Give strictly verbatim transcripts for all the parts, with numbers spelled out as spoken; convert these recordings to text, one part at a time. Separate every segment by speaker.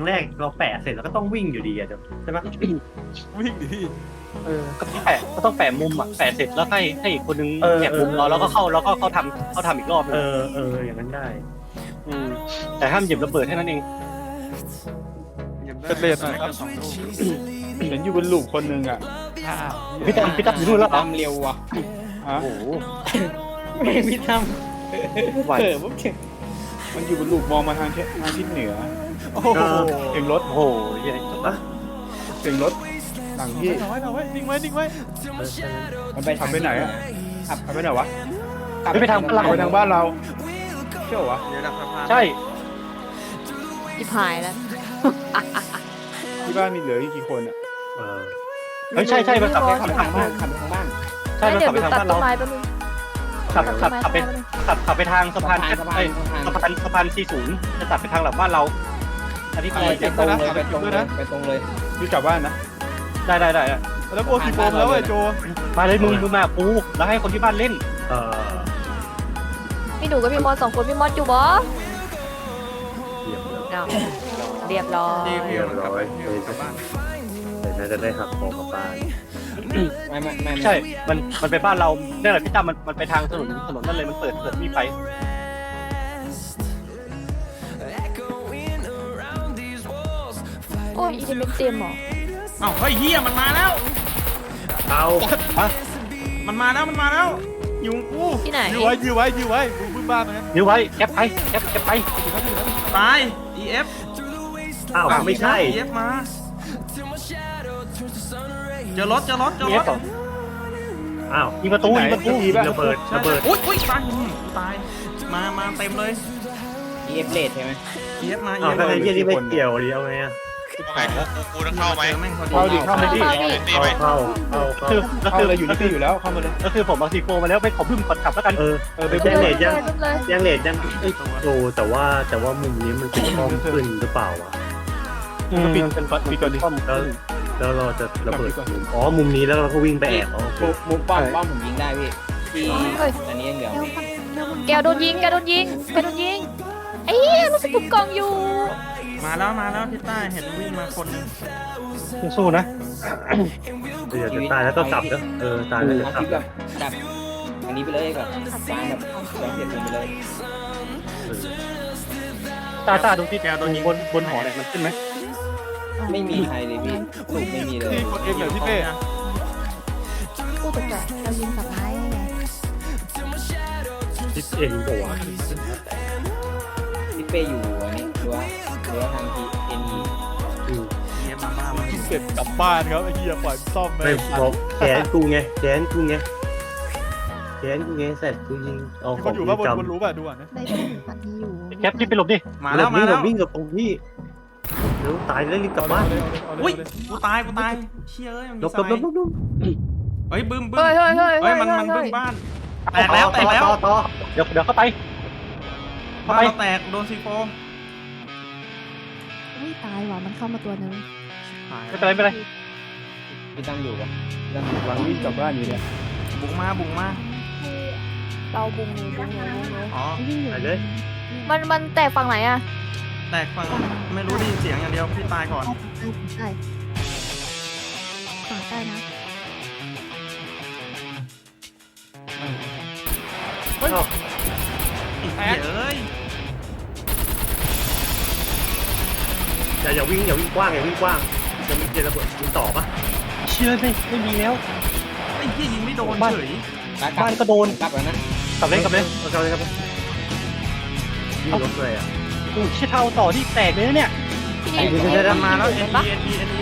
Speaker 1: แรกเราแปะเสร็จแล้วก็ต้องวิ่งอยู่ดีอะใช่ไหม
Speaker 2: วิ่งดิพี่
Speaker 3: เออก็ต้องแปะก็ต้องแปะมุมอ่ะแปะเสร็จแล้วให้ให้อีกคนนึง
Speaker 1: เออ
Speaker 3: แปะมุม
Speaker 1: เออ
Speaker 3: เราแล้วก็เข้าแล้วก็เขาทำเขาทำอีกรอบนึ
Speaker 1: เอง อเอออย่างนั้นได้
Speaker 3: อืมแต่ห้ามหยิบระเบิดแค่นั้นเอง
Speaker 2: เป็นเลนหน่อยครับ
Speaker 4: เห็นอยู่บนลูกคนหนึ่งอ่ะ
Speaker 3: พี่ตั้มพี่ตั้มอยู่นู่นแล้วเหรอ
Speaker 5: ตามเร็วว่ะ
Speaker 4: ฮะ
Speaker 3: โอ้โห
Speaker 5: ไม่พี่ตั้ม
Speaker 3: ไหว
Speaker 5: เออผมเก่ง
Speaker 4: มันอยู่บนลูกมองมาทางทิศทางทิศเหนือ
Speaker 2: โอ้โห
Speaker 4: เสียงรถ
Speaker 3: โอ้โหเหี้ย
Speaker 1: อะ
Speaker 4: เสียงรถหลังที่
Speaker 2: เอาไว้เอาไว้นิ่งไว้นิ่งไว้
Speaker 1: เออใช่ไหม
Speaker 5: มันไป
Speaker 4: ขับไปไหนอ่ะขับไปไหนวะ
Speaker 5: ขับ
Speaker 3: ไม่ไปทางพลัง
Speaker 4: ขับไปทางบ้านเราเชื่อวะ
Speaker 3: ใช่
Speaker 6: จิบหายแล้ว
Speaker 4: ที่บ้านมีเหลืออีกกี่คนอ่ะ
Speaker 1: เออ
Speaker 3: เฮ้ยใช่ใช่มันขับไป
Speaker 5: ขับ
Speaker 3: ขั
Speaker 5: ไป
Speaker 3: บ
Speaker 5: ทางบ้านขับไปทางบ้าน
Speaker 3: ใช่มัน
Speaker 6: เดี๋ย
Speaker 3: ขั
Speaker 6: ว
Speaker 3: บ
Speaker 6: ห
Speaker 3: ไป
Speaker 6: นู
Speaker 3: ทาง
Speaker 6: ตัด
Speaker 3: บ้าน
Speaker 6: ต้
Speaker 3: เรา
Speaker 6: นไม้แป๊บนึง
Speaker 3: ขับขับขับไป
Speaker 6: ตัดต้นไม้
Speaker 3: ขับขับไปทางสะพาน
Speaker 5: สะพาน
Speaker 3: เอ้ย
Speaker 5: สะพาน
Speaker 3: สะพานสะพานสี่ศูนย์จะตัดไปทางหลังบ้านเราอันนี้
Speaker 5: ไป
Speaker 3: คือ
Speaker 5: ตรงเลยไปตรงเลยไปตรงเลย
Speaker 4: อยู่กลับบ้านนะ
Speaker 3: ได้ได้ได้ได้
Speaker 2: แล้วโบสีโฟมแล้วไอ้โจ
Speaker 3: มาเลยมึงมึงมาปูแล้วให้คนที่บ้านเล่น
Speaker 1: เออ
Speaker 6: พี่หนูกับพี่มอสสองคนพี่มอสอยู่บ่
Speaker 1: เยี่ยมเลย
Speaker 6: เอาเรียบร้อย
Speaker 1: เรียบร้อยเดี๋ยวน่าจะได้หักคอกลับบ้าน
Speaker 5: ไม่ไม่ไม่
Speaker 3: ใช่ มันมันไปบ้านเราเนี่ยแหละพี่ตั้มมันมันไปทางถนนถนนนั่นเลยมันเปิดเปิดมีไฟ
Speaker 6: โอ้ยอีเดนเต็มเหรอ
Speaker 7: เอ้าเฮ้ยเฮียมันมาแล้ว
Speaker 1: เอา
Speaker 7: มันมาแล้วมันมาแล้วอยู่กู
Speaker 6: ที่ไหน
Speaker 2: ยื้อไว้ยื้อไว้ยื้อไว้มึงบึ้มบ้านนะ
Speaker 3: นิ้วไว้แคปไปแคปแคปไป
Speaker 7: ตาย อี เอฟ
Speaker 1: อ้าวไม่ใช่
Speaker 7: อี เอฟ มาเจอรถเจอรถเจอ
Speaker 3: มี
Speaker 7: ร
Speaker 3: เอ
Speaker 7: ถ
Speaker 3: ฟเหรอ
Speaker 1: อ้าว
Speaker 3: ยิงประตูยิงประตู
Speaker 4: ที่บ้าน
Speaker 1: ระเบิด
Speaker 7: ใช่
Speaker 1: ระเบิด
Speaker 7: อุ้ยอุ้ยตายอืมตายมามาเต็มเลย
Speaker 5: เอฟเลดใช่ไหม
Speaker 7: อี เอฟ มา อี
Speaker 1: อ้าว
Speaker 7: เอฟ
Speaker 1: ถ้า
Speaker 7: มา
Speaker 1: ไอ้เหี้ยนี่ไม่เกี่ยวดิเอาไงอะ
Speaker 8: ไอ้กูกูต้องเข้าไหม
Speaker 7: เจอแม่งพอดี
Speaker 4: เข้าดิเข้ามาดิ
Speaker 6: เข้าดิ
Speaker 8: ตี
Speaker 1: เข้า
Speaker 8: ไหม
Speaker 1: เข้าเข้าเข้า
Speaker 3: คือก็
Speaker 4: เข้า
Speaker 3: คือ
Speaker 4: เลยอยู่นี่คืออยู่แล้วเข้ามาเลย
Speaker 3: ก็คือผมเอาซีโฟมาแล้วไปขอบึ้มก่อนขับแล้วกัน
Speaker 1: เออ
Speaker 4: เออไป
Speaker 1: ไม่
Speaker 4: บุ
Speaker 1: ใช่
Speaker 4: ก
Speaker 1: เลทยัง
Speaker 6: เลยเลย
Speaker 1: ยังเลทยังเอ้ยโอ้แต่ว่าแต่ว่ามุมนี้มันเป็นกล้องขึ้นหรือเปล่าวะ
Speaker 3: อืมมันเป็นมันเป็นข้อม
Speaker 1: แล้วแล้วเราจะระเบิดมุมอ๋อมุมนี้แล้วเราก็วิ่งไปแอบอ๋อโอเค
Speaker 5: มุมมุมป้อมป้อมผมยิงได้พี่ที่อันนี้ยังเหลือ
Speaker 6: แกวโดนยิงแกวโดนยิงแกวโดนยิงไอ้เหี้ยรู้สึกถูกกล่องอยู่
Speaker 7: มาแล้วมาแล้วที่ใต้เห็นวิ่งมาคนหนึ่ง
Speaker 3: สู้นะ
Speaker 1: เดี๋ยวจะตายแล้วก็กลับนะเออตายแล้วจะ
Speaker 5: เอา
Speaker 1: กลั
Speaker 5: ค
Speaker 1: บ
Speaker 5: ลิปแบบแบบอันนี้ไปเลยแบบตามแบบย้อนเปลี่ยนไปเลย
Speaker 1: เออ
Speaker 3: ตาตาดูที่แกโดนยิงบนบนหอเนี่ยมันขึ้นไหม
Speaker 5: ไม่มีใครเลยพี่ลูกไม่มีเลย
Speaker 2: พี่กดเองเหรอพี่เป้
Speaker 6: พูดตกใจเรายิงสับไม้ไง
Speaker 1: ทิศเอ็นปะวะ
Speaker 5: พี่เป้อยู่อันนี้หรือว่าหรือว่าทางทีเอ็นอี
Speaker 1: อืม
Speaker 7: อี เอฟ มาบ้ามา
Speaker 2: เสร็จกลับบ้านครับไอ้เหี้ยปล่อยซ่อมไป
Speaker 1: ไม่พอแขนกูไงแขนกูไงแขนกูไงเสร็จกูยิงเอาข
Speaker 2: ค
Speaker 1: อง
Speaker 2: นอยู่
Speaker 1: กู
Speaker 2: ว่าบน
Speaker 1: จ
Speaker 2: บนรู้ป่ะดูอ่ะนะ
Speaker 6: ได้ที่ปันนี้อยู่
Speaker 3: แคปรีบไปหลบดิ
Speaker 7: มา
Speaker 1: ำ
Speaker 7: แล้วมา
Speaker 1: วิ่ง
Speaker 7: แล้
Speaker 1: กับ
Speaker 7: ว
Speaker 1: วิ่งกับตรงพี่เดี๋ยวตายแล้วรีบกลับบ้าน
Speaker 2: เอเลยเอาเลย
Speaker 7: อุ้ย
Speaker 2: เอาเลย
Speaker 7: กูตายกูตายเชี่ยเอ้ยมัน
Speaker 1: ล
Speaker 7: มี
Speaker 1: บ
Speaker 7: ส
Speaker 1: ลบ
Speaker 7: ไน
Speaker 1: ลบลบลบ
Speaker 7: เฮ้ยบึ้มบึ้ม
Speaker 6: เฮ้ยเฮ้ยเฮ้ย
Speaker 7: เฮ้ยมันมัน
Speaker 6: เฮ้
Speaker 7: บึ้
Speaker 6: ย
Speaker 7: มบ้านแตกแล้วแตกแล้ว
Speaker 1: ต่อต่อ
Speaker 3: เดี๋ยวเดี๋ยวเข้าไปเข้า
Speaker 7: บ้าน
Speaker 3: ไป
Speaker 7: เราแตกโดนซีโฟ
Speaker 6: อุ้ยตายว่ะมันเข้ามาตัวนึง
Speaker 3: ไม่เป็นไรไม่เป็นไร
Speaker 5: พี่ตั้มอยู่ปะพี่ตั้มอยู่
Speaker 4: หลังวิ่งกลับบ้านอยู่เนี่ย
Speaker 7: บุกมาบุกมา
Speaker 6: เราบุงหนูบุงหนูบุงหนู
Speaker 7: อ๋อ
Speaker 1: ไปเลย
Speaker 6: มันมันแตกฝั่งไหนอะ
Speaker 7: แตกฝั่งไม่รู้ได้ยินเสียงอย่างเดียวพี่ตายก่อน
Speaker 6: ใช่ฝั่งใต้นะ
Speaker 7: เฮ้ยไอ้เหี้ยเอ้ย
Speaker 1: อย่าอย่าวิ่งอย่าวิ่งกว้างอย่าวิ่งกว้างจะมีเจระเบิดยิงต่อปะ
Speaker 3: เชื่อไม่ไม่มีแล้ว
Speaker 7: ไอ้เหี้ยยิงไม่โดนเฉย
Speaker 3: บ้านก็โดน
Speaker 5: กลับแล้วนะ
Speaker 3: กลับเลยกลับเลย
Speaker 1: เอาเลยครับยิงรถเลยอ่ะ
Speaker 3: โอ้ยเชี่ยเท่าต่อที่แตกเลยนะเนี่ย
Speaker 6: พี่
Speaker 1: เดี๋ยวเดี๋ยวเดี๋ยว
Speaker 7: มันมาแล้ว
Speaker 6: เห็
Speaker 7: N
Speaker 6: น
Speaker 7: E
Speaker 6: ปะ
Speaker 7: N E N E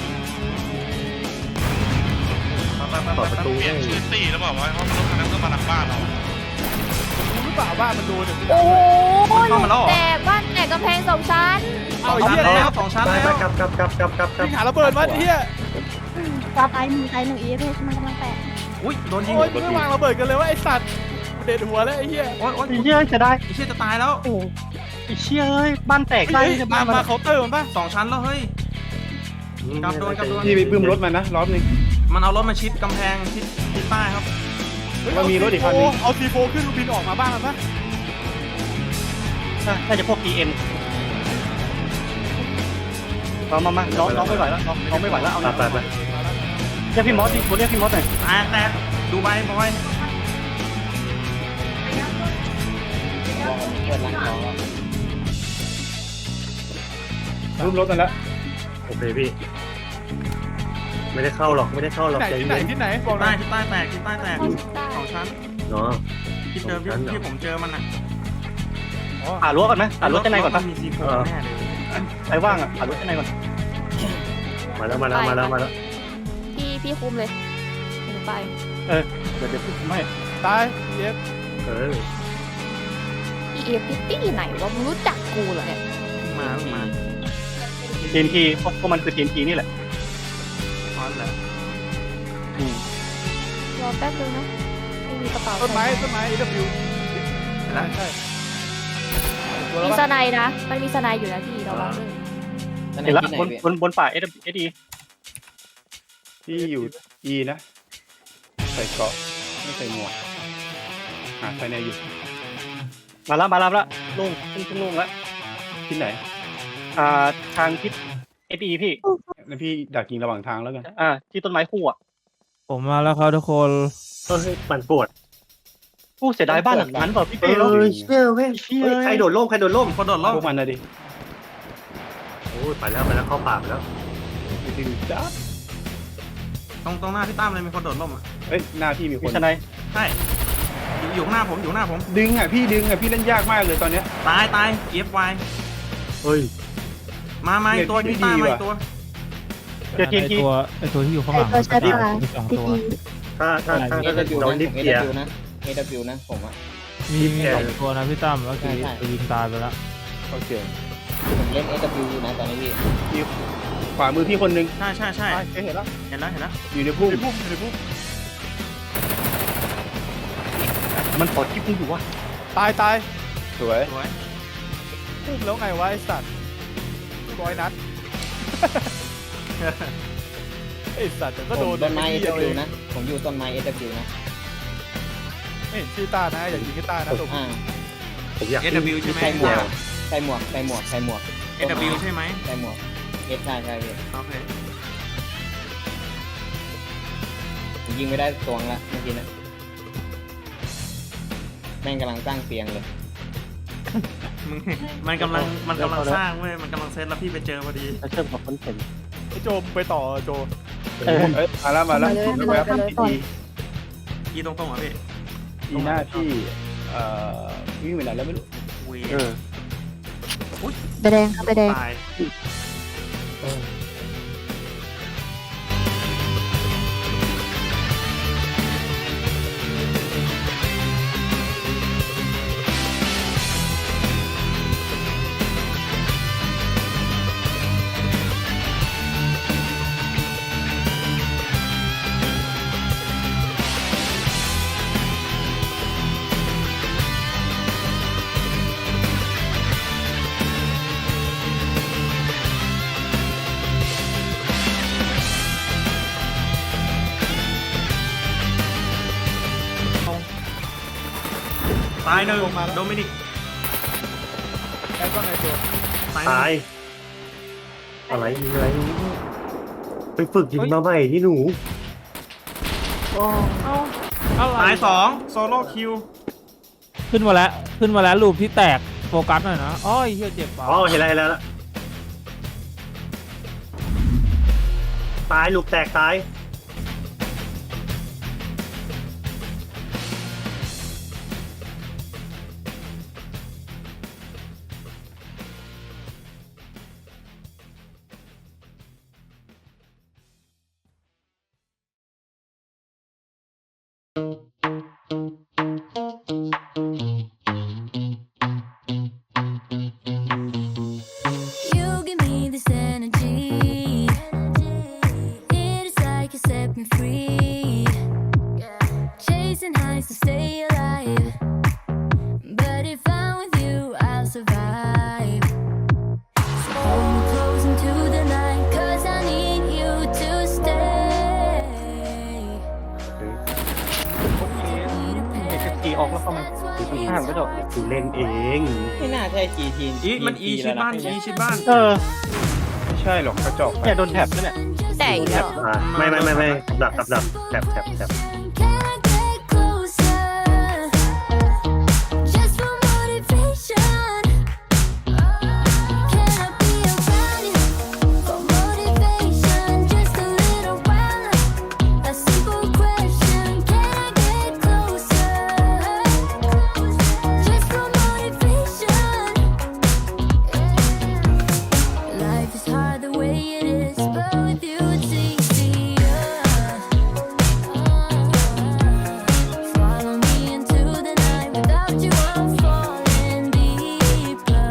Speaker 7: ไปไป
Speaker 1: ต่อ
Speaker 7: ไป
Speaker 1: ประ
Speaker 7: ไป
Speaker 1: ตู
Speaker 8: เปลี่ยนชื่อตีแล้วบอกว่าเพราะรถคันนั้นก็มาหลังบ้านเรา
Speaker 2: รู้หรือเปล่าบ้านมันโดนเนี่ย
Speaker 6: โอ้ยแตกบ้านแตกกำแพงสองชั้น
Speaker 2: เอา
Speaker 7: สอง
Speaker 2: ไอ้
Speaker 7: ชั้น
Speaker 2: เหี้ย
Speaker 7: แล้วสองชั้น
Speaker 1: ไป
Speaker 7: แล้ว
Speaker 1: ไปกลับกลับกลับกลับกลับกลับ
Speaker 2: วิ่งหาระเบิดมาไอ้เหี้ย
Speaker 6: ตาตายหนึ่งตายหนึ่งอีเอฟมันกำลังแตก
Speaker 7: อุ้ยโดนยิง
Speaker 2: โอ้ยมึงไม่วางระเบิดกันเลยว่าไอ้สัตว์เด็ดหัวแล้วไอ้เหี้ย
Speaker 7: โอ้ยโอ้ย
Speaker 3: ไอ้เชี่ยจะได้
Speaker 7: ไอ้เชี่ยจะตายแล้ว
Speaker 3: โอ้ไอ้เชี่ยเอ้ยบ้านแตกได้
Speaker 2: เฮ้ย
Speaker 3: จะ
Speaker 2: มา
Speaker 3: บ้านมัน
Speaker 2: มาเคาน์เตอร์มันป่ะ
Speaker 7: สองชั้นแล้วเฮ้ย กลับโดนกลับโดน
Speaker 4: พี่ไปบึ้มรถมันนะรอบนึง
Speaker 7: มันเอารถมาชิดกำแพงชิดชิดใต้ครับ
Speaker 4: มันมีรถอีกคันนึง
Speaker 2: เอาซีโฟขึ้นบินออกมาบ้างมันป่ะ
Speaker 3: น่าจะพวก ดี เอ็มมามามาน้องน้องไม่ไหวแล้วน้องน้องไม่ไหวแล้วเอา
Speaker 1: ไปไปไป
Speaker 3: เรียกพี่มอสดิเรียกพี่มอสหน่อย
Speaker 7: แตกแตกดูใบบอย
Speaker 5: เปิดร้านทองแล้ว
Speaker 4: รูปรถนั่นแล้ว
Speaker 1: โอเคพี่ ไม่ได้เข้าหรอกไม่ได้เข้าหรอก
Speaker 2: ไหน
Speaker 1: ใจ
Speaker 2: ที่ไหน
Speaker 1: เย็น
Speaker 2: ที่ไหนบอกหน่
Speaker 7: ใต้
Speaker 2: อย
Speaker 7: ที่ใต้แตกที่ใต้แตกสองชั้น
Speaker 1: เนาะ
Speaker 7: ที่เจอที่ที่ผมเจอมันอ่ะ
Speaker 3: หารั้วก่อนไหมหารั้วชั้นในก่อนปะ
Speaker 7: มีซีโฟแน่เลย
Speaker 3: ใครว่างอ่ะหารั้วชั้นในก่อน
Speaker 1: มาแล้วมาแล้วมาแล้วมาแล้ว
Speaker 6: พี่พี่คุมเลยหนูไป
Speaker 3: เออเดี๋ยวเดี๋ยวไม่
Speaker 2: ตายเย็บ
Speaker 1: เออ
Speaker 6: พี่เอฟพี่ตี้ไหนวะมึงรู้จักกูเหรอเนี่ย
Speaker 7: มามา
Speaker 3: ทีนทีพวกพวกมันคือทีนทีนี่แหละ
Speaker 7: พอแล้ว
Speaker 3: อืม
Speaker 6: รอแป๊บนึงนะไม่มีกระเป๋า
Speaker 2: ต้นไม้ต้นไม้ เอ ดับเบิลยู ใช่ใช่ตัว
Speaker 6: มี
Speaker 2: แล้ว
Speaker 6: ส
Speaker 2: ปะ
Speaker 6: ไนด์นะมันมีสไนด์อยู่นะพี่ระวังด้วย
Speaker 5: นั่น
Speaker 3: เห็นแล้ว
Speaker 5: ที่ไหน
Speaker 3: บน
Speaker 5: พี่
Speaker 3: บนบนป่าเอสเอสดี
Speaker 4: ที่อยู่ E นะ ใส่เกราะไม่ใส่หมวกหาภายในอยู่
Speaker 3: มาแล้วมาแล้วมาแล้วลุงขึ้นขึ้นลุงแล้ว
Speaker 4: ที่ไหน
Speaker 3: อ่าทางทิศเอสดีพี่
Speaker 4: แล้วพี่ดักยิงระหว่างทางแล้วกัน
Speaker 3: อ่าที่ต้นไม้คู่อ่ะ
Speaker 2: ผมมาแล้วครับทุกคน
Speaker 1: เฮ้ยปั่นปวด
Speaker 3: ผู้เสียดายบ้านหลังนั้นเปล่าพี่
Speaker 1: เอ
Speaker 3: เป้เนาะ
Speaker 1: อเชื่อเว้ยเฮ้ยใครโดดร่มใครโดดร่ม
Speaker 7: คนโดดล่ม
Speaker 4: พวกมันนะดิ
Speaker 1: โอ้ยไปแล้วไปแล้วเข้าป่าไปแล้ว
Speaker 4: ดึงจ้า
Speaker 7: ตรงตรงหน้าพี่ตั้มเลยมีคนโดดล่มอ่ะ
Speaker 4: เอ้ยหน้าพี่มีค
Speaker 3: มี
Speaker 4: น
Speaker 3: ทนาย
Speaker 7: ใช่อยู่อยู่ข้างหน้าผมอยู่ข้างหน้าผม
Speaker 4: ดึงอ่ะพี่ดึงอ่ะพี่เล่นยากมากเลยตอนเนี้ย
Speaker 7: ตายตาย F Y
Speaker 1: เฮ้ย
Speaker 7: มามาอีกตัว
Speaker 4: เน็ตพี่
Speaker 7: พี่ต้า
Speaker 4: ดี
Speaker 7: มา
Speaker 4: ว่ะ
Speaker 7: อีกตัว
Speaker 2: ไอตัวไอตัวที่อยู่ข้างหลัง
Speaker 6: ไอ้ตัวใช่ปะ
Speaker 2: มีสองตัว
Speaker 1: ถ้าถ้าถ้า
Speaker 5: เอ
Speaker 1: ถ้า
Speaker 5: ดับบิว
Speaker 1: น้อง
Speaker 5: นะ
Speaker 1: นิด
Speaker 5: ผมเอ
Speaker 1: เดีย
Speaker 5: ดับบิวนะเอดับบิวนะผมอ่ะ
Speaker 2: มีมีสองตัวนะพี่ตั้มแล้วคือไปยิงตายไปแล้ว
Speaker 4: โอเค
Speaker 5: ผมเล่นเอดับบิวอยู่นะตอนนี้พี่
Speaker 4: ขวามือพี่คนนึง
Speaker 7: ใช่ใช่ใช่
Speaker 2: เห็นแล้ว
Speaker 7: เห็นแล้วเห็นแล้ว
Speaker 4: อยู่ในพุ่ม
Speaker 2: ในพุ่มในพุ่ม
Speaker 3: มันขอคลิปมึงอยู่วะ
Speaker 2: ตายตาย
Speaker 4: สวย
Speaker 7: สวย
Speaker 2: พุ่มแล้วไงวะไอสัตว์ร้อยนัดไอสัตว์แต่ก็
Speaker 5: ผ
Speaker 2: โด
Speaker 5: ม
Speaker 2: น
Speaker 5: ต้นไม้เอ
Speaker 2: เดี
Speaker 5: ดั
Speaker 2: ย
Speaker 5: บ
Speaker 2: ว
Speaker 5: บิ
Speaker 2: เอ
Speaker 5: ว
Speaker 2: ง
Speaker 5: นะผมอยู่ต้นไม้เอดับบิวนะ
Speaker 2: ไม่เห็นชื่อต้านะอย่ายิงให้ต้านะตรง
Speaker 5: อ่า
Speaker 1: ผมอยาก
Speaker 7: เอ W ใช่ไหม
Speaker 5: ใส่หมวกใส่หมวกใส่หมวกใส่หมวก
Speaker 7: เอ W ใช่ไหม
Speaker 5: ใส่หมวกเอสใช่ใช่พี่
Speaker 7: โอเค
Speaker 5: ผมยิงไม่ได้ตวงละเมื่อกี้นะแม่งกำลังสร้างเตียงเลย
Speaker 7: มึงมันกำลังมันกำลังสร้างเว้ยมันกำลังเซตแล้วพี่ไปเจอพอดี
Speaker 3: แล้วเชื่อมกับคนเห็น
Speaker 2: ไอโจมไปต่อโจ
Speaker 3: เออ
Speaker 4: เอ้ยมาแล้วมาแล้ว
Speaker 6: ไปเลย
Speaker 4: แวบ
Speaker 6: ไปเลย
Speaker 4: ๆอี
Speaker 7: ยีตรงๆอ่ะพี่
Speaker 4: อีหน้าพี่เอ่อวิ่งไปไหนแล้วไม่รู้
Speaker 7: วี
Speaker 3: เออ
Speaker 6: ไปแดงครับไปแดง
Speaker 7: ตาย ตายหนึ่งโดมินิก
Speaker 2: แอบว่าไงโจ
Speaker 7: ตาย
Speaker 1: ตายอะไรยิงอะไรไปฝึกยิงมาใหม่ที่หนู
Speaker 2: อะไร
Speaker 7: ตายสองโซโล่คิว
Speaker 2: ขึ้นมาแล้วขึ้นมาแล้วรูปที่แตกโฟกัสหน่อยนะอ้อยเฮียเจ็บปะ
Speaker 1: อ๋อเห็นแล้วเห็นแล้วละตายลูกแตกตาย
Speaker 3: ออกแล้วเข้ามาข้างก็โดด
Speaker 1: กูเล่นเอง
Speaker 5: ไม่น่าใช่จีทีน
Speaker 7: อีมันอีชิดบ้านอีชิดบ้าน
Speaker 3: เออ
Speaker 4: ไม่ใช่ช่หรอกกระจอกไป
Speaker 3: เนี่ยโดนแท็บแล้วเนี่ย
Speaker 6: แต่อีกแล้วเหรอ
Speaker 1: อ่าไม่ไม่ไม่ไม่ดับดับดับแถบแถบแถบ
Speaker 9: Life is hard the way it is, but with you it's easier. Follow me into the night. Without you, I'm falling deeper.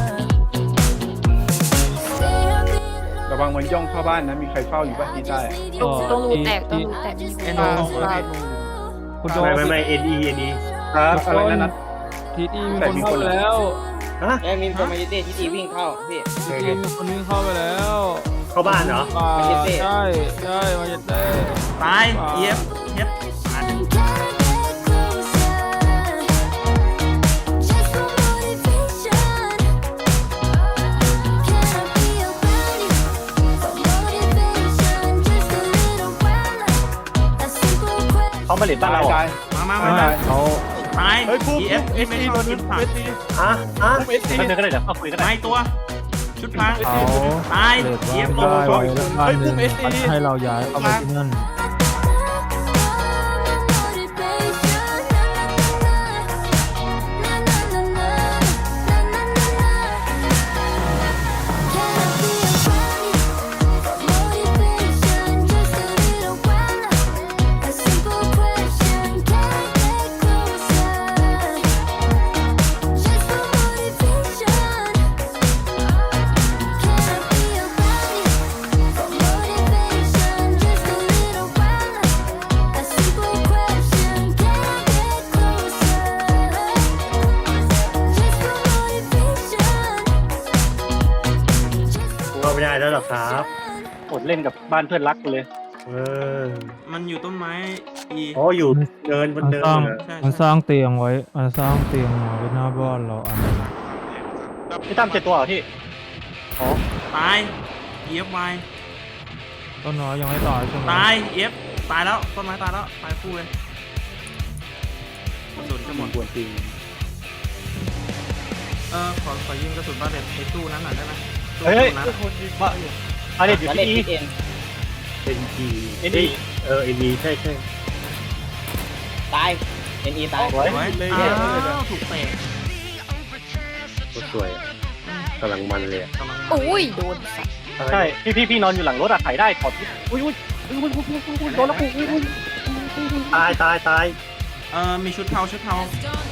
Speaker 9: Stay up in love.
Speaker 4: ระวังมันย่องเข้าบ้านนะ มีใครเฝ้าอยู่บ้านที่ใต้
Speaker 6: ตรงตรงรูแตกตรงรูแตกมี
Speaker 7: เอ็น
Speaker 6: ค
Speaker 7: โอน
Speaker 6: เข้า
Speaker 2: คุณโด
Speaker 1: ไม่ไม่ไม่เอ็นอีเอ็นอี
Speaker 4: ครับอะไรนั่นนะ
Speaker 2: ทีทีมีคนเข้าไปแล้ว
Speaker 1: ฮะ
Speaker 5: เอ้ยมีคนมาเยเต้ที่ตีวิ่งเข้าพี่
Speaker 2: ทีทีมีคนวิ่งเข้าไปแล้ว
Speaker 1: เข้าบ้านเหรอ
Speaker 2: ป่า
Speaker 5: มาเยเต้
Speaker 2: ใช่ใช่มาเยเต้
Speaker 7: ตายเอฟเอฟ
Speaker 9: Can I get closer? Just for motivation. Can I be your buddy? For motivation, just a little while. A simple question.
Speaker 3: เขามาเล่นบ้านเราเหรอ
Speaker 4: ตาย
Speaker 7: มามา
Speaker 4: ตา
Speaker 7: มาย มา
Speaker 4: เขา
Speaker 7: ตาย
Speaker 4: เฮ้ยปุ๊บ
Speaker 7: เอฟเอฟไม่ชอบกินผัก
Speaker 1: ฮะฮะ
Speaker 3: เดินก็ได้เดี๋ยวเข้าคุยกันได้
Speaker 7: ตายตัว ชุดพัง
Speaker 2: เขา
Speaker 7: ตาย
Speaker 2: เด็ก
Speaker 7: เอฟ
Speaker 2: ว่า
Speaker 7: ล
Speaker 2: ได้
Speaker 7: ง
Speaker 2: ไว้แล้วบ้านหนึ่งให้เราย้ายเข้าไปที่นั่น
Speaker 1: เข้าไม่ได้แล้วหรอครับ
Speaker 3: อดเล่นกับบ้านเพื่อนรักกูเลย
Speaker 1: เออ
Speaker 7: มันอยู่ต้นไม้อี
Speaker 1: อ๋ออยู่เดินบน
Speaker 2: มัน
Speaker 1: เดิน
Speaker 2: สร้าง
Speaker 1: เหรอ
Speaker 7: ใช่
Speaker 2: มันสร้างเตียงไว้มันสร้างเตียงไว้หน้าบ้านเราอันนึง
Speaker 3: พี่ตั้มเจ็ดตัวเหรอพี่
Speaker 7: ตายเอฟไว
Speaker 2: ต้นน้อยยังไม่ตายใช่ไหม
Speaker 7: ตายเอฟตายแล้วต้นไม้ตายแล้วตายคู่เลยกระสุนจะหมด
Speaker 4: ควรจริง
Speaker 7: เออขอขอยิงกระสุนบาเลตไอ้ตู้นั้นหน่อยได้ไหมตู้
Speaker 3: เฮ้ย
Speaker 7: นั้น
Speaker 3: ว่ามาเล่นอยู่
Speaker 5: แล้วเล่น
Speaker 3: ที่อี
Speaker 5: พิดเอ็น
Speaker 1: เอ็นอี
Speaker 3: เอ็นอี
Speaker 1: เออเอ็นอีใช่ใช่
Speaker 5: ตายเอ็นอีตาย
Speaker 3: สวย
Speaker 7: สวยอ้าวถูกเตะ
Speaker 1: ก็สวยอะกำลังมันเลยอะ
Speaker 7: กำลัง
Speaker 6: อุ้ยโดนสัตว์
Speaker 3: ใช่พี่พี่พี่นอนอยู่หลังรถอะถ่ายได้ถอดอุ้ยอุ้ยอุ้ยอุ้ยอุ้ยอุ้ยอุ้ยโดนแล้วกูอุ้ยอุ้ย
Speaker 1: ตายตายตาย
Speaker 7: เออมีชุดเทาชุดเทา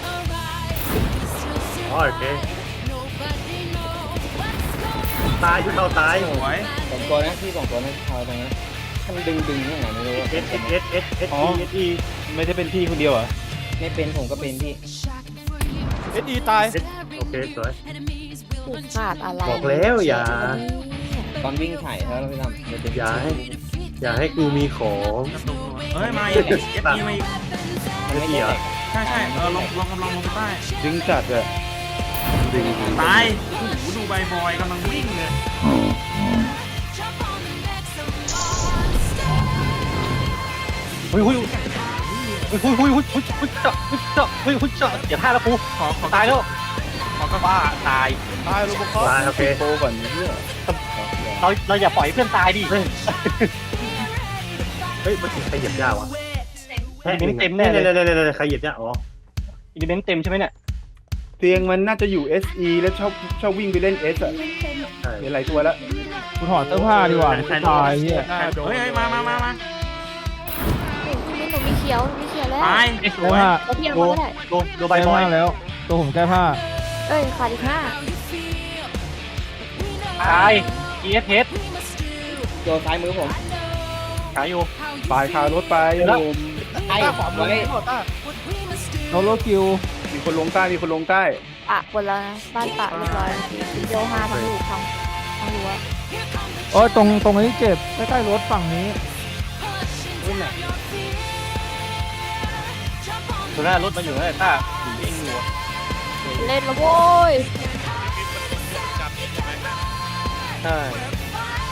Speaker 1: อ๋อโอเคตายชุดเทาตาย
Speaker 7: สวย
Speaker 5: สองตัวนะพี่สองตัวนะพอตรงนั้นถ้ามันดึงดึงยังไงไม่รู้อะ
Speaker 1: เอสเอสเอสเอสเอส
Speaker 4: อ๋อ
Speaker 1: อีเอสอี
Speaker 4: ไม่ได้เป็นพี่คนเดียวเหรอ
Speaker 5: ไม่เป็นผมก็เป็นพี่
Speaker 4: เอ็ดดีตาย
Speaker 1: โอเคสวย
Speaker 6: ผูกขาดอะไร
Speaker 1: บอกแล้วอย่า
Speaker 5: ตอนวิ่งถ่ายแล้วพี่ตั้มเดี๋ยวจะ
Speaker 1: อย่าให้อย่าให้กูมีของ
Speaker 7: กระตุกหน่อยเอ้ยมาอีกเอฟอีมาอีก
Speaker 5: มันไม่ได้แตก
Speaker 7: ใช่ใช่เออลงลงกำลังลงไปใต้
Speaker 4: ดึงจัดอะ
Speaker 1: ดึง
Speaker 7: ตายโอ้โหดูใบบอยกำลังวิ่งเลย
Speaker 3: อุ้ยอุ้ยอุ้ยอุ้ยอุ้ยอุ้ยอุ้ยอุ้ยจ้าอุ้ยจ้าอุ้ยอุ้ยจ้าเดี๋ยวท่าแล้วกู
Speaker 7: ขอขอ
Speaker 3: ตายแล้ว
Speaker 7: ขอกระ
Speaker 3: บ้าตาย
Speaker 4: ตายโรบอคอป
Speaker 1: ตายโอเค
Speaker 4: โตก่อนเพื่อ
Speaker 3: เราเราอย่าปล่อยเพื่อนตายดิ
Speaker 1: เฮ้ยมันใครเหยียบหญ้าวะแพ้
Speaker 3: อินเต็มแน่
Speaker 1: เนี่ย
Speaker 3: เลย
Speaker 1: เนี่ยเนี่ยเนี่ยใครเหยียบหญ้าอ๋อ
Speaker 3: อินเมนต์เต็มใช่ไหมเนี่ย
Speaker 4: เตียงมันน่าจะอยู่ เอส อี แล้วชอบชอบวิ่งไปเล่น S อะ
Speaker 1: ใช่
Speaker 4: เห็นหลายตัวแล้ว
Speaker 2: กูถอดเสื้อผ้าดีกว่าไม่ตายเฮีย
Speaker 7: เฮ้ยเฮ้ยมามามามา
Speaker 6: นี่หนูมีเขียวหนูมีเขียวแล้ว
Speaker 7: ตายส
Speaker 2: แก้
Speaker 7: วย
Speaker 2: ผ้า
Speaker 6: เราเพียงเขาก็ได้
Speaker 3: ดูดูใบ
Speaker 2: แก้
Speaker 3: บอ
Speaker 2: ผ้าย แล้ว ตัวผมแก้ผ้า
Speaker 6: เอ้ยขาดอีกห้า
Speaker 3: ตาย อี เอส เอส
Speaker 5: โดนซ้ายมือผม
Speaker 3: ขายอยู่
Speaker 4: ปลายคารถไป
Speaker 3: เดี๋ยวนะ
Speaker 4: โยม
Speaker 5: ไอ้ไว้
Speaker 2: โนโลกิว
Speaker 4: มีคนลงใต้ มีคนลงใต้
Speaker 6: ปะหมดแล้วนะบ้านปะเรียบร้อยโยห้าทั้งลูกทั้งทั้งรั้ว
Speaker 2: โอ้ยตรงตรงนี้เจ็บใกล้ๆรถฝั่งนี้
Speaker 3: ตัวหน้ารถมันอยู่นั่นแหละต้าวิ่งอยู่
Speaker 6: เล่นแล้วโว้ย
Speaker 3: ใช่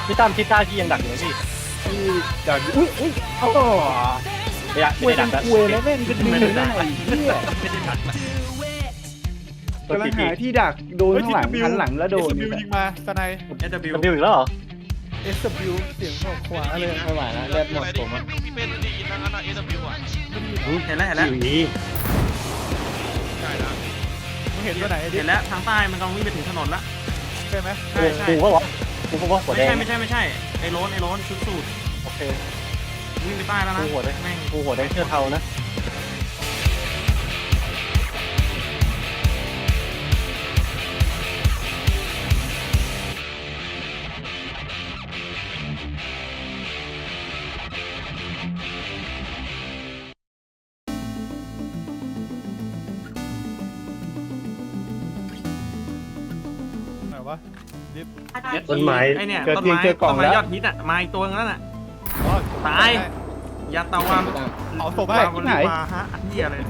Speaker 3: พี่ตั้มคิดท่าพี่ยังดักอยู่ไหมพี่
Speaker 4: ที่ดักอุ้ยอุ้ยโอ้
Speaker 3: ไม่ได้ไม่ได้ดักแล้ว
Speaker 4: คุยแล้วแม่งเป็นมือได้ไอ้เหี้ย
Speaker 7: ไม่ได้ดักละ
Speaker 4: กำลังหาที่ดักโดนข้างหลังหันหลังแล้วโดน
Speaker 10: บิวยิงมาสไน
Speaker 7: เอส ดับเบิลยู
Speaker 3: บิวอีกแล้วเหรอ
Speaker 10: เอสบิวเสียงของขวาเลย
Speaker 5: ไม่ไหวแล้วเลือดหมดผมอะ
Speaker 8: พี่เป็นดีทั้งนั้นอะเอสบิวอ่ะ
Speaker 7: เห็นแล้วเห็นแล้ว
Speaker 1: อยู่นี่
Speaker 8: ใช่นะ
Speaker 10: มึงเห็นตัวไหนดิ
Speaker 7: เห็นแล้วทางใต้มันกำลังวิ่งไปถึงถนนละ
Speaker 10: ใช่ไหม
Speaker 7: ใช่ใช่
Speaker 3: กูก็วะกูก็ว่าหัว
Speaker 7: ไม่
Speaker 3: แดง
Speaker 7: ใช่ไม่ใช่ไม่ใช่ไอ้โรนไอ้โรนชุดสูท
Speaker 3: โอเค
Speaker 7: วิ่งไปใต้แล้วนะ
Speaker 3: กูหัวแดง
Speaker 7: แม่ง
Speaker 3: กูหัวแดงเสื้อเทานะ
Speaker 10: ไหนวะดิฟ
Speaker 1: ต้นไม้
Speaker 7: ไอ้เนี่ย
Speaker 4: เจอ
Speaker 7: ต้น
Speaker 4: เตียง
Speaker 7: ไม้
Speaker 4: เจอกล่
Speaker 7: ต้
Speaker 4: อง
Speaker 7: นไม้
Speaker 4: แล้ว
Speaker 7: ยอดฮิตอ่ะมาอีกตัวนึงแล้วน่ะ
Speaker 10: อ๋อ
Speaker 7: ตาย ยาตาวัน
Speaker 10: เอาศพให้
Speaker 7: วาวันลีวาฮะอันเหี้ยอะไร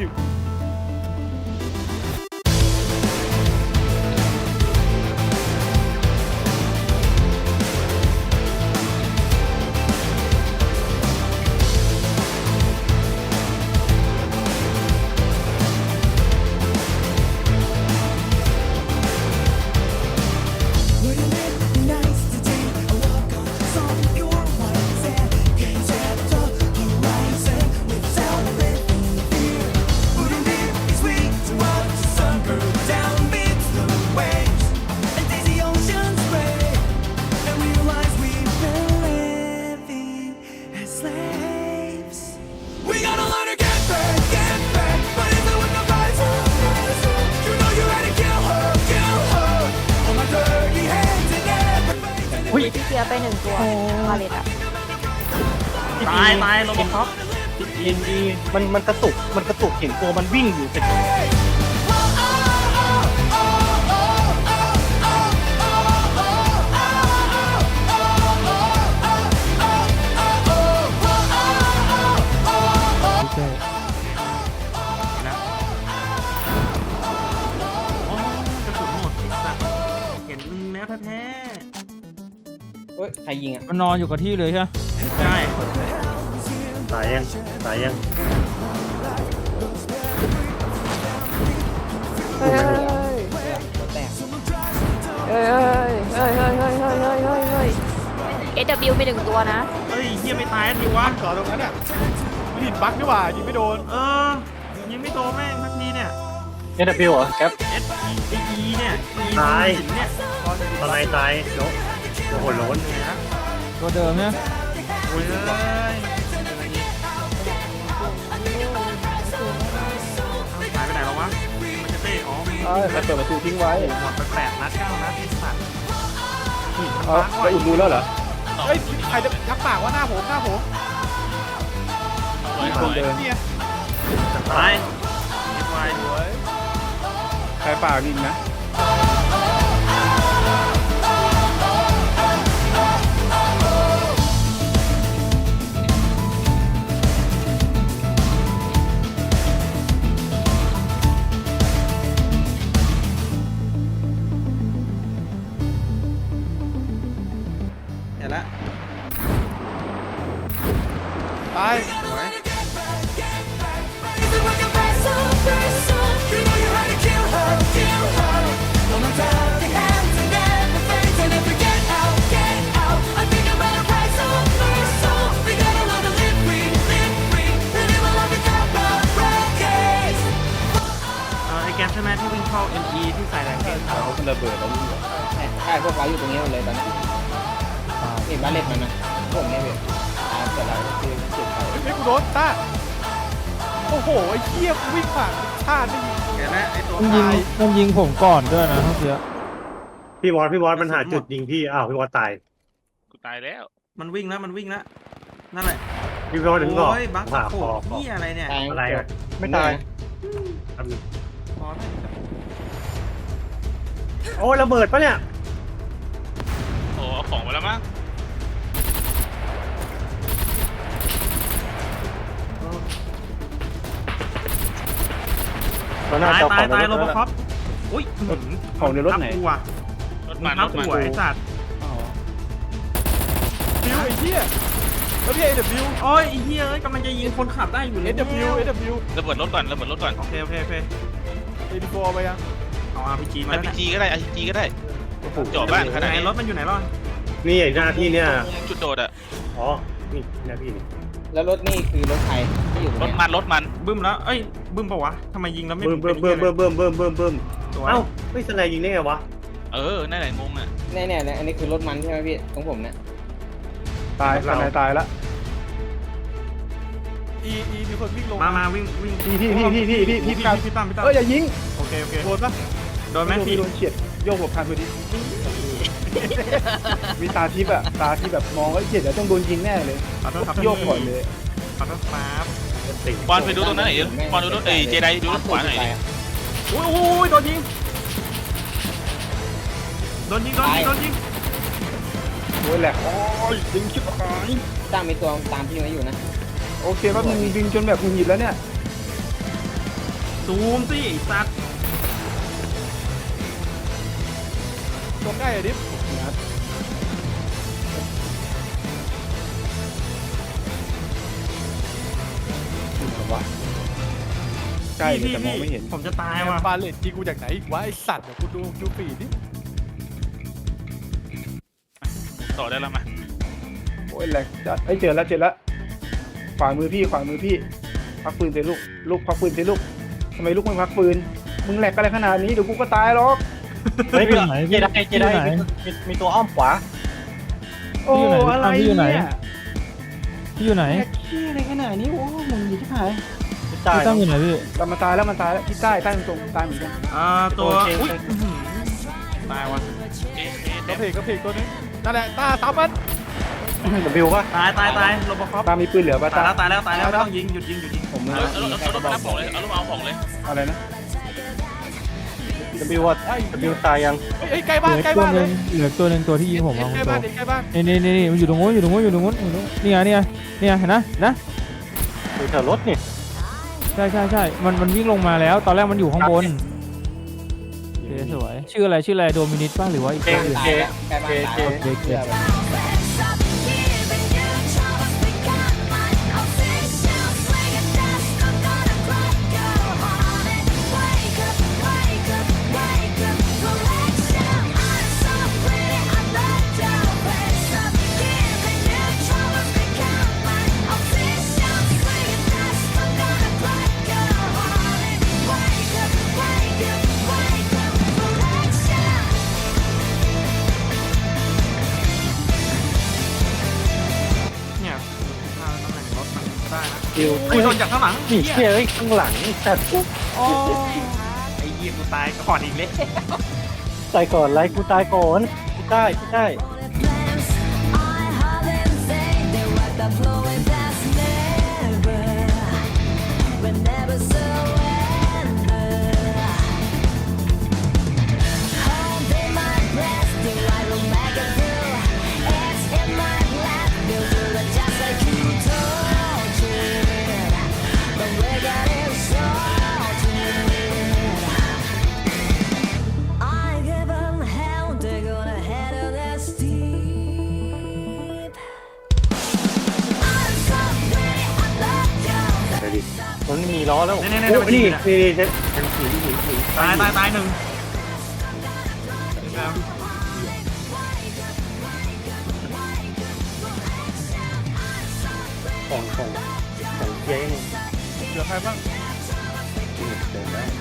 Speaker 6: พี่เกียร์ไปหนึ่งตัวพาเลตอะ
Speaker 7: ตายตายโรบอคอป
Speaker 3: เอ็นดีมันมันกระตุกมันกระตุกเห็นตัวมันวิ่งอยู่เป็น
Speaker 7: แล้วโอ้กระสุนหมดไอ้สัตว์เห็นมึงแล้วแท้
Speaker 5: เฮ้ยใครยิงอ่ะ
Speaker 2: มันนอนอยู่กับที่เลยใช่ไหม
Speaker 7: ๆใช่
Speaker 1: ตายยังตายยัง
Speaker 6: เฮ้ย
Speaker 5: ตัวแตก
Speaker 6: เฮ้ยเฮ้ยเฮ้ยเฮ้ยเฮ้ยเฮ้ยเฮ้ยเฮ้ยเฮ้ยเอสบิวไปหนึ่งตัวนะ
Speaker 7: เฮ้ยเฮียไม่ตายทีวะ
Speaker 10: จอดตรงนั้นอ่ะมันหินบั๊กนี่หว่ายิงไม่โดน
Speaker 7: เออยิงไม่โดนแม่งทักทีเนี่ย
Speaker 3: เอ็นบิวเหรอครับ
Speaker 7: เอสไออีเนี่ยอีหินเนี่ย
Speaker 1: ตอนไหนตายโน้โอ้โหโล้น
Speaker 7: เนี่ยนะ
Speaker 2: ตัวเดิมเนี่ย
Speaker 7: โอ้ยเอ้ยหายไปไหนแล้ววะมันจะเต้อ๋อมี
Speaker 4: เอ้ยใครเปิดประตูทิ้งไว้
Speaker 7: หมดไปแปดนัดเก้านัดที่สัตว์หิน
Speaker 4: เอา
Speaker 7: บัก
Speaker 4: แล้วอุ่นดูแล้วเหรอ
Speaker 10: เฮ้ยใครจะทักปากว่าหน้าผมหน้าผม
Speaker 4: มีคนเดิน
Speaker 10: เนี่ย
Speaker 7: ตายเก็บไว้
Speaker 10: สวย
Speaker 4: ใครปากดินนะ
Speaker 7: เห็นแล้ว
Speaker 10: ตาย
Speaker 7: สวย เออไอแกมใช่ไหมที่วิ่งเข้า เอ็ม อี ที่ใส่แรงเกต
Speaker 4: เขาเป็นระเบิดแล้วนี่
Speaker 5: ใช่พวกเราอยู่ตรงนี้หมดเลยตอนนี้เห็นบ้านเล็กมันนะพวกนี้เว้ยตายเกิดอะไรคือจุดไฟ
Speaker 10: เฮ้ยกูโดนต้าโอ้โหไอ้เหี้ยกูวิ่งผ่านชาติไม่ยิง
Speaker 7: เห็นแล้วไอตัว
Speaker 2: มันยิง
Speaker 7: ตาย
Speaker 2: มันยิงผมก่อนด้วยนะเมื่อกี้
Speaker 1: พี่วอสพี่วอสมันหาจุดยิงพี่อ้าวพี่วอสตาย
Speaker 8: กูตายแล้ว
Speaker 7: มันวิ่งแล้วมันวิ่งแล้วนั่นแหละ
Speaker 1: พี่วอสถึงก่อน
Speaker 7: โอ้ยบัค
Speaker 1: ผ่า
Speaker 7: โข
Speaker 1: คอบ คอ
Speaker 7: นี่อะไรเนี่ย
Speaker 5: ตาย
Speaker 1: อะไรอะ
Speaker 4: ไม่ตาย
Speaker 1: ทำหนึ่ง
Speaker 7: พอแล้ว
Speaker 1: โอ้ยระเบิดปะเนี่ย
Speaker 8: โอ้เอาของไปแล้วมั้ง
Speaker 3: ก็น่า
Speaker 7: ตาย
Speaker 3: จะ
Speaker 7: ตายตาย
Speaker 3: ข
Speaker 7: โร
Speaker 3: อง
Speaker 7: บ
Speaker 3: ใน
Speaker 7: อคอปอุ้ย
Speaker 4: ของในรถไหน
Speaker 7: ทับกูอ่ะ
Speaker 8: รถ
Speaker 7: มึ
Speaker 8: มั
Speaker 7: ง
Speaker 8: น
Speaker 7: ทั
Speaker 8: ร
Speaker 7: บ
Speaker 8: ถมัน
Speaker 7: กูอ่ะไอ้สัตว์
Speaker 10: ไอ้เหี้ยแล้วพี่ เอ ดับเบิลยู
Speaker 7: โอ้ยไอ้เหี้ยเอ้ยกำลังจะยิงคนขับได้อยู่เล
Speaker 10: เอย ดับเบิลยู เอ ดับเบิลยู
Speaker 8: ระเบิดรถก่อนระเบิดรถก่อน
Speaker 7: โอเคโอเคโอเค
Speaker 10: เอดีโฟเอาไปยัง
Speaker 7: เอาอาร์พีจีมา
Speaker 8: อา
Speaker 7: แล้ว
Speaker 8: พี
Speaker 7: เนี่ย
Speaker 8: จีก็ได้อาพีจีก็ได้จอดบ้านขนาด
Speaker 7: ไหน
Speaker 8: นี้
Speaker 7: รถมันอยู่ไหนรอด
Speaker 1: นี่หน้าที่เนี่ย
Speaker 8: จุดโดดอะ
Speaker 1: อ๋อนี่หน้าที่นี่
Speaker 5: แล้วรถนี่คือรถใครที่อยู่ต
Speaker 8: ร
Speaker 5: รง
Speaker 8: ถ
Speaker 5: เนี้ย
Speaker 8: มันรถมัน
Speaker 7: บึ้มแล้วเอ้ยบึ้มปะวะทำไมยิงแล้วไม่
Speaker 1: เบิ่มเบิ่มเบิ่มเบิ่มเบิ่มเบิ่มเบิ่มเบิ่ม
Speaker 7: สวย
Speaker 1: เอ้าไม่สไนยิงได้ไงวะ
Speaker 8: เออนั่นแหละงงอะ
Speaker 5: เนี่ยเนี่ยเนี่ยอันนี้คือรถมันใช่ไหมพี่ของผมเนี่ย
Speaker 4: ตายตายตายละ
Speaker 10: อีอีมีคนวิ่งลง
Speaker 7: มามาวิ่งวิ่ง
Speaker 4: พี่พี่พี่พี่พี่พี่พี่
Speaker 7: พี่พี่ตั้มพี่ตั้ม
Speaker 4: เอ้ยอย่ายิง
Speaker 7: โอเคโอเค
Speaker 10: โดนปะ
Speaker 7: โดนไหม
Speaker 4: โดน
Speaker 7: พี่
Speaker 4: โดนเฉียดโยกหลบทันพอดีมีตาทิพย์อะตาที่แบบมองว่าเฉียดแล้วต้องโดนยิงแน่เลย
Speaker 7: ขอโทษครับ
Speaker 4: โยกก่อนเลย
Speaker 7: ขอโทษครับ
Speaker 8: บอลไปดูตรงนั้นหน่อยดิบอลดูรถเอ้ยเจไดดูรถขวาหน่อยดิ
Speaker 7: โอ้ยโอ้ยโดนยิงโดนยิงโดนยิงโดนยิง
Speaker 4: โอ้ยแหลกโอ้ยยิงชิบหาย
Speaker 5: ตั้งมีตัวตามพี่มาอยู่นะ
Speaker 4: โอเคแป๊บนึงยิงจนแบบหงุดหงิดแล้วเนี่ย
Speaker 7: ซูมสิไอ้สัตว์
Speaker 10: ตรงใกล้อะดิฟ
Speaker 4: วะใกล้เลยแต่มองไม่เห็น
Speaker 7: ผมจะตาย
Speaker 10: ไอ้
Speaker 7: ว่ะ
Speaker 10: บาเลตยิงกูจากไหนอีกวะไอสัตว์เดี๋ยวกูดูดูปีดดิ
Speaker 8: ต่อได้แล้วมา
Speaker 4: โอ้ยแหลกจัดเอ้ยเจอแล้วเจอแล้วขวามือพี่ขวามือพี่พักปืนเตะลูกลูกพักปืนเตะลูกทำไมลูกไม่พักปืนมึงแหลกอะไรขนาดนี้เดี๋ยวกูก็ตายหรอก
Speaker 3: เฮ้ยเจไดเจไดมีมีตัวอ้อมขวา
Speaker 4: โอ้อะไร
Speaker 2: พี่อยู่ไหน
Speaker 4: เนี่ย
Speaker 2: พี่อยู่ไหน
Speaker 4: แหลกขี้อะไรขนาดนี้โอ้มึงอยู่ที่ไหน
Speaker 3: ตาย
Speaker 2: พี่ตั้มอยู่ไหนพี่
Speaker 4: เรามาตายแล้วมันตายแล้วที่ใต้ใต้ตรงๆตายเหมือนกัน
Speaker 7: อ่าตัว
Speaker 3: โอเค
Speaker 7: อุ้ยอื้อหือตายว่ะ
Speaker 8: เอ๊ะ
Speaker 10: กระ
Speaker 8: เอ๊ะ
Speaker 10: เพกกระเพกตัวนึงนั่นแหละตาสามมัน
Speaker 4: ดับบิวป่ะ
Speaker 7: ตายตายตายโรบอคอป
Speaker 4: ตามีปืนเหลือป่ะ
Speaker 7: ตาย
Speaker 4: ตา
Speaker 7: แล้วตายแล้วตายแล้วไม่ต้องยิงหยุดยิงหยุดยิง
Speaker 5: ผมมา
Speaker 8: เอาเอาเอารถมารับของเลยเอารถมาเอาของเลย
Speaker 4: อะไรนะ
Speaker 3: ดับบิวว่าดับบิวตายยัง
Speaker 10: เฮ้ยใกล้
Speaker 2: เห
Speaker 10: บ้าน
Speaker 2: ลือ
Speaker 10: ใกล้
Speaker 2: ตัว
Speaker 10: บ้าน
Speaker 2: ห
Speaker 10: เล
Speaker 2: นึ
Speaker 10: ย
Speaker 2: งเหลือตัวหนึงตัวที่ยิงผมมา
Speaker 10: ใกล้บ้านเด็กใกล้บ้าน
Speaker 2: นี่นี่นี่นี่มันอยู่ตรงนู้นอยู่ตรงนู้นอยู่ตรงนู้นอยู่ตรงนู้นนี่ไงนี่ไงนี่ไงเห็นนะนะ
Speaker 3: อยู่แถวรถนี่
Speaker 2: ใช่ใช่ใช่มันมันวิ่งลงมาแล้ว ตอนแรกมันอยู่ข้างบนโอเคสวยชื่ออะไรชื่ออะไรโดมินิสป่ะหรือว่าอีก
Speaker 3: เจ
Speaker 2: ชื่ออื่น
Speaker 3: เจ
Speaker 5: ใกล้บ้านตาย
Speaker 3: เจ
Speaker 2: โอเคโอเค
Speaker 7: เนี่ยถ้าตำแหน่งรถมันได้นะ
Speaker 3: บิว
Speaker 7: อุ้ยโดนจากข้างหลัง
Speaker 3: นี่
Speaker 7: เหี้ย
Speaker 3: เชี่ยเฮ้ยข้างหลังสัตว์
Speaker 7: ไอ้เหี้ยกูตายก่อนอีกเลย
Speaker 3: ตายก่อนไรกูตายก่อนกูได้กูได้
Speaker 9: Never surrender. Holding my breath till I will make it through. It's in my blood, feel good just like you told it. But we're getting sorted. I give them hell, they're gonna head of the steep. I'm so pretty, I love you.
Speaker 1: ไปดิ
Speaker 3: มันไม่มีล้อแล้ว
Speaker 7: เนี่ยเนี่ย
Speaker 1: โอ้
Speaker 7: เนี่ย
Speaker 1: นี่
Speaker 7: เนี่ย
Speaker 1: นี่นี่ฉันฉันผีผีผี
Speaker 7: ตายตายตายหนึ่ง
Speaker 1: ของของของเจ๊ง
Speaker 10: เหลือใครบ้าง
Speaker 1: เดินแล้ว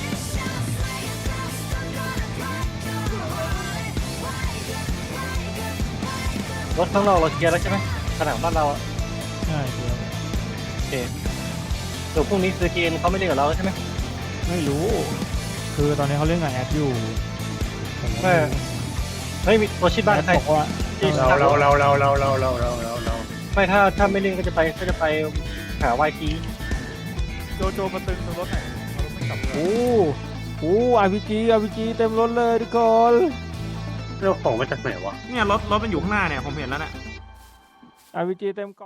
Speaker 3: รถข้างนอกเราเคลียร์แล้วใช่ไหมผนังบ้านเราอะ
Speaker 2: ใช่ครับ
Speaker 3: โอเคเดี๋ยวพรุ่งนี้ซื้อเกนเขาไม่เล่นกับเราใช่ไหม
Speaker 2: ไม่รู้ คือตอนนี้เขาเล่นกับแอดอยู่ผมก็
Speaker 3: ไม่ เฮ้ยมีตัวชิดบ้าน
Speaker 2: แอด
Speaker 3: ใคร
Speaker 2: บอกว่า
Speaker 1: เราเราเราเราเราเราเราเราเราเรา
Speaker 3: ไม่ถ้าถ้าไม่เล่นก็จะไปก็จะไปหาวายที
Speaker 10: โจโจมาตึงตรงรถหน่อยเอารถไม่กลับเลย
Speaker 2: โอ้โหอาร์พีจีอาร์พีจีเต็มรถเลยทุกคน
Speaker 1: เราของมาจากไหนวะ
Speaker 7: เนี่ยรถรถมันอยู่ข้างหน้าเนี่ยผมเห็นแล้วเนี่ย
Speaker 2: อาร์พีจีเต็มเกาะ